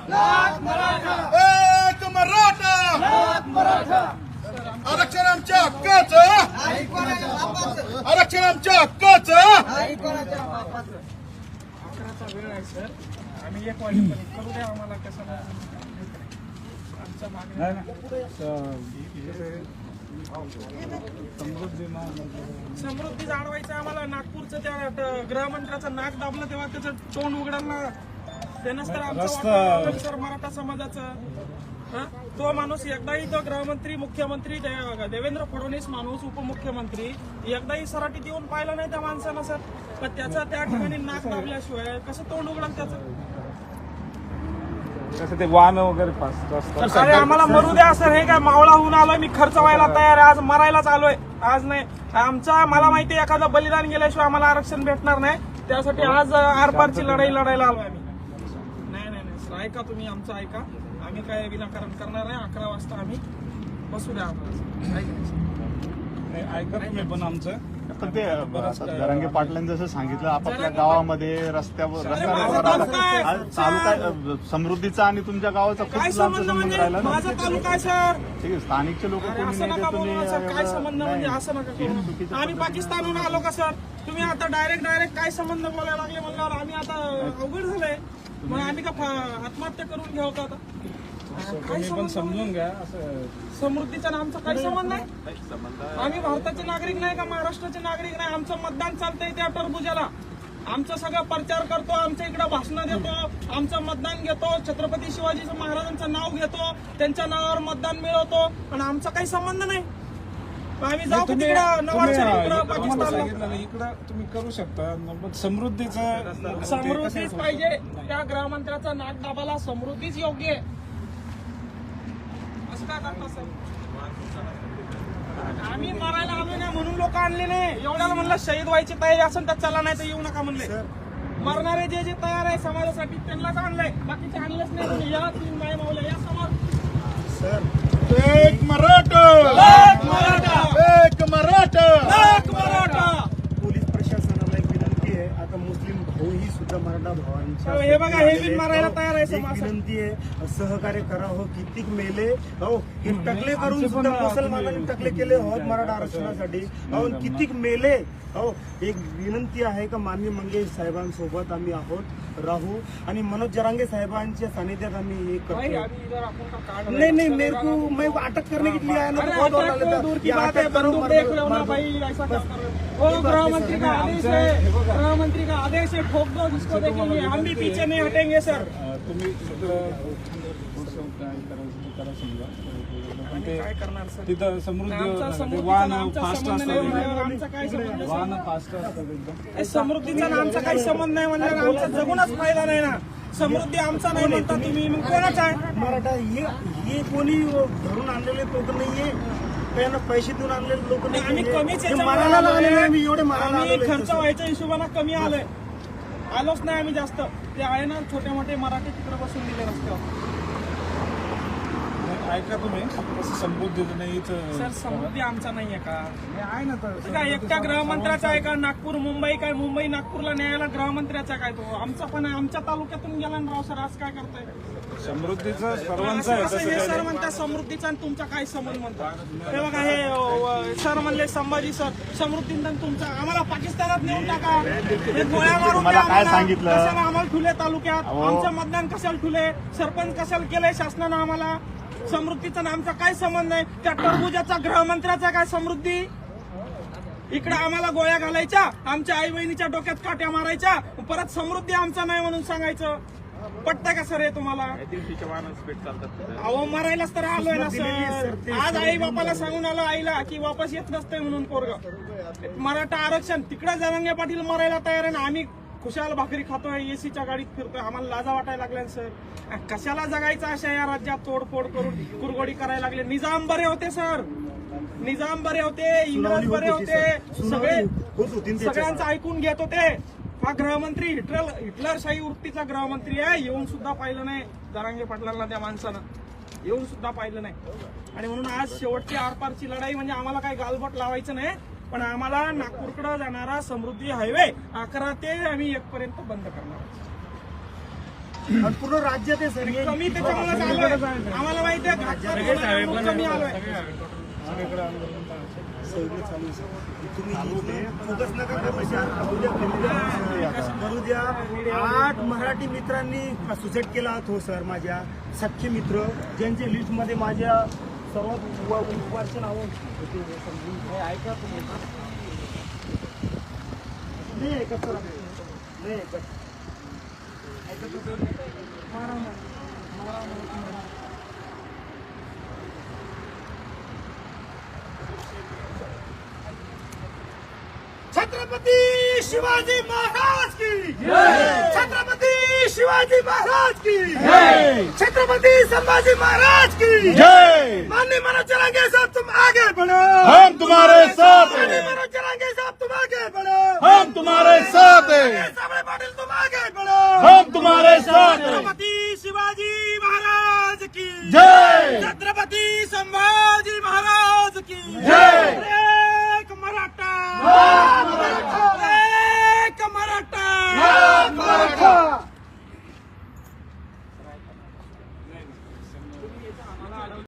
एक मराठा आरक्षण आमच्या हक्काचं, आरक्षण आमच्या हक्काचं. वेळ आहे सर, आम्ही 1 वाजेपर्यंत करू द्या आम्हाला. कसं आमच्या समृद्धी जाणवायचं आम्हाला. नागपूरचं त्या गृहमंत्र्याचं नाक दाबलं तेव्हा त्याचं तोंड उघडायला त्यानंच तर आमचं सर मराठा समाजाचं. तो माणूस एकदाही तो गृहमंत्री, मुख्यमंत्री देवेंद्र फडणवीस माणूस, उपमुख्यमंत्री एकदाही सराटीत येऊन पाहिलं नाही त्या माणसानं सर. पण त्याचं त्या ठिकाणी नाक दाबल्याशिवाय कसं तोंड उघडलं त्याचं? कसं ते वाहन वगैरे अरे आम्हाला मरू द्या सर. हे काय मावळा होऊन आलोय मी, खर्च व्हायला तयार आहे. आज मरायलाच आलोय. आज नाही आमचा, मला माहिती आहे एखादं बलिदान गेल्याशिवाय आम्हाला आरक्षण भेटणार नाही. त्यासाठी आज आरपारची लढाई लढायला आलोय आम्ही. नाही सर, ऐका तुम्ही आमचं ऐका. आम्ही काय विनाकारण करणार नाही. 11 वाजता आम्ही बसू द्या आम्हाला. ऐका तुम्ही पण आमचं. पण ते जरांगे पाटलांनी जसं सांगितलं, आपापल्या गावामध्ये रस्त्यावर तालुका समृद्धीचा आणि तुमच्या गावाचा काय खूप संबंध? संबंध म्हणजे राहिला ना. माझा तालुका आहे सर. ठीक आहे, स्थानिकचे लोक कोणी असं नाही नका ते बोलू ना सर. काय संबंध म्हणजे असं नका करू. आम्ही पाकिस्तानहून आलो का सर? तुम्ही आता डायरेक्ट काय संबंध बोलायला लागले म्हणल्यावर आम्ही आता अवघड झालंय. मग आम्ही का आत्महत्या करून घेऊ का आता? तुम्ही पण समजून घ्या. असं समृद्धीचा आमचा काही संबंध नाही. आम्ही भारताचे नागरिक नाही का महाराष्ट्राचे नागरिक नाही? आमचं मतदान चालतंय त्या टरबुजाला. आमचं सगळं प्रचार करतो, आमच्या इकडे भाषणं देतो, आमचं मतदान घेतो, छत्रपती शिवाजी महाराजांचं नाव घेतो, त्यांच्या नावावर मतदान मिळवतो आणि आमचा काही संबंध नाही. आम्ही जाऊ तिकडं नवाबशा इकडं पाकिस्तानला. इकडं तुम्ही करू शकता. समृद्धीचं समृद्धीच पाहिजे. त्या गृहमंत्र्याचा नाक दाबाला समृद्धीच योग्य आहे. असं काय करता सर? आम्ही मारायला आलो नाही म्हणून लोक आणले नाही. एवढ्याला म्हणलं शहीद व्हायची तयारी असेल तर चला, नाही तर येऊ नका म्हणले. मरणारे जे तयार आहे समाजासाठी त्यांनाच आणलंय, बाकीचे आणलेच नाही. तुम्ही या 3 बाई मावल्या या समोर. एक मराठा, एक मराठा, एक मराठा, एक मराठा. पोलीस प्रशासनाला एक विनंती आहे. आता मुस्लिम भाऊ ही सुद्धा मराठा भावांच्या हे बघा, हे बिन मारायला तयार आहे एक समाज. विनंती आहे, सहकार्य करा हो. कितीक मेले हो, हे टकले करून सुद्धा मुसलमानांनी टकले केले होत मराठा आरक्षणासाठी हो. कितीक मेले हो. एक विनंती आहे का माननीय मंगेश साहेबांसोबत आम्ही आहोत, राहू आणि मनोज जरांगे साहेबांच्या सानिध्यात आम्ही हे करतो. नहीं नहीं, मेरे को मैं अटक करने के लिए आया ना, तो बहुत डर लग रहा दूर की था. बात है, बंदूक देख लो ना भाई, ऐसा क्या कर रहे हो? वो गृहमंत्री का आदेश है, गृहमंत्री का आदेश है, ठोक दो जिसको देखेंगे. हम भी पीछे नहीं हटेंगे सर. तुम्ही करा समजा. काय करणार सर? तिथं समृद्धी आमचा समृद्धीचा वाहन आमचा फास्ट संबंध असतात. नाही. आमचा काय संबंध? वाहन फास्ट असतात एकदम. समृद्धीचा आमचा काही संबंध नाही म्हणजे आमचा जगूनच फायदा नाही ना. समृद्धी आमचा नाही म्हणता तुम्ही, मग कोणाचा आहे? मराठा हे कोणी धरून आणलेले लोक नाहीये, त्यांना पैसे देऊन आणलेले लोक नाही. आम्ही कमीच हे मारायला आलेले आहे, मी एवढे मारायला आम्ही आलेले खर्च व्हायच्या हिशोबाने कमी आलोय. आलोच नाही आम्ही जास्त. ते आहे ना छोटे मोठे मराठी तिकडे बसून दिले रस्त्यावर. ऐका तुम्ही, असं समृद्धीचं नाही सर समृद्धी आमचा नाहीये का? आहे ना. तर काय एकट्या गृहमंत्र्याचा आहे का? नागपूर मुंबई काय? मुंबई नागपूरला न्यायला गृहमंत्र्याचा काय? तो आमचा पण आहे. आमच्या तालुक्यातून गेला ना राव सर. आज काय करताय? समृद्धीचं सर्वांचं आहे. असं तसं हे काही सर नाही. म्हणतात समृद्धीचा आणि तुमचा काय संबंध म्हणतात? हे बघा, हे सर म्हणले संभाजी सर समृद्धीचा तुमचा. आम्हाला पाकिस्तानात नेऊन टाका. हे गोळ्या मारून तुम्हाला द्या काय आम्हाला. सांगितलं? कशाला आम्हाला ठुले तालुक्यात? अहो. आमचं मतदान कशाला ठुले? सरपंच कशाला केलंय शासनानं आम्हाला? समृद्धीचा आमचा काय संबंध नाही. त्या टरबुजाचा गृहमंत्र्याचा काय समृद्धी? इकडे आम्हाला गोळ्या घालायच्या, आमच्या आई बहिणीच्या डोक्यात काट्या मारायच्या, परत समृद्धी आमचा नाही म्हणून सांगायचं. पटतंय का सर हे तुम्हाला? अहो मरायलाच तर आलोय ना सर. आज आई बापाला सांगून आलो आईला की वापस येत नसतंय म्हणून पोरग. मराठा आरक्षण तिकडे जरांगे पाटील मरायला तयार आहे ना. आम्ही खुशाल भाकरी खातोय, एसीच्या गाडीत फिरतोय. आम्हाला लाजा वाटायला लागल्या सर. कशाला जगायचं अशा या राज्यात? तोडफोड करून कुरगोडी करायला लागले. निजाम बरे होते सर, निजाम बरे होते, इंग्रज बरे होते, सगळे सगळ्यांचं ऐकून घेत होते. हा गृहमंत्री हिटलरशाही वृत्तीचा गृहमंत्री आहे. येऊन सुद्धा पाहिलं नाही जरांगे पाटलांना त्या माणसानं. येऊन सुद्धा पाहिलं नाही. आणि म्हणून आज शेवटची आरपारची लढाई म्हणजे आम्हाला काही गालबोट लावायचं नाही, पण आम्हाला नागपूरकडे जाणारा समृद्धी हायवे 11 ते आम्ही 1 पर्यंत बंद करणार. आणि पूर्ण राज्यात आहे सर हे. कमी त्याच्यामुळे आलोय. आम्हाला माहिती आहे घातपात कमी आलोय. सगळं चालू आहे सर. तुम्ही इथे फोकस नका करू सर. करू द्या. 8 मराठी मित्रांनी सुसाईड केला हो सर. माझ्या सख्खे मित्र ज्यांच्या लिस्टमध्ये माझ्या सर्वात वर्ष नाव ऐका तुम्ही नाही ऐकत सर. नाही ऐकत. छत्रपती शिवाजी महाराज की छत्रपती शिवाजी महाराज की छत्रपती संभाजी महाराज की माननीय मनोज जरांगे साहब तुम आगे बढ़ो. हम तुम्हारे साथ माननीय हैं, मनोज जरांगे साहब तुम आगे बढ़ो. हम तुम्हारे साथ हैं, साबळे पाटील तुम आगे बढ़ो. हम तुम्हारे साथ हैं. छत्रपती शिवाजी महाराज की जय. छत्रपती संभाजी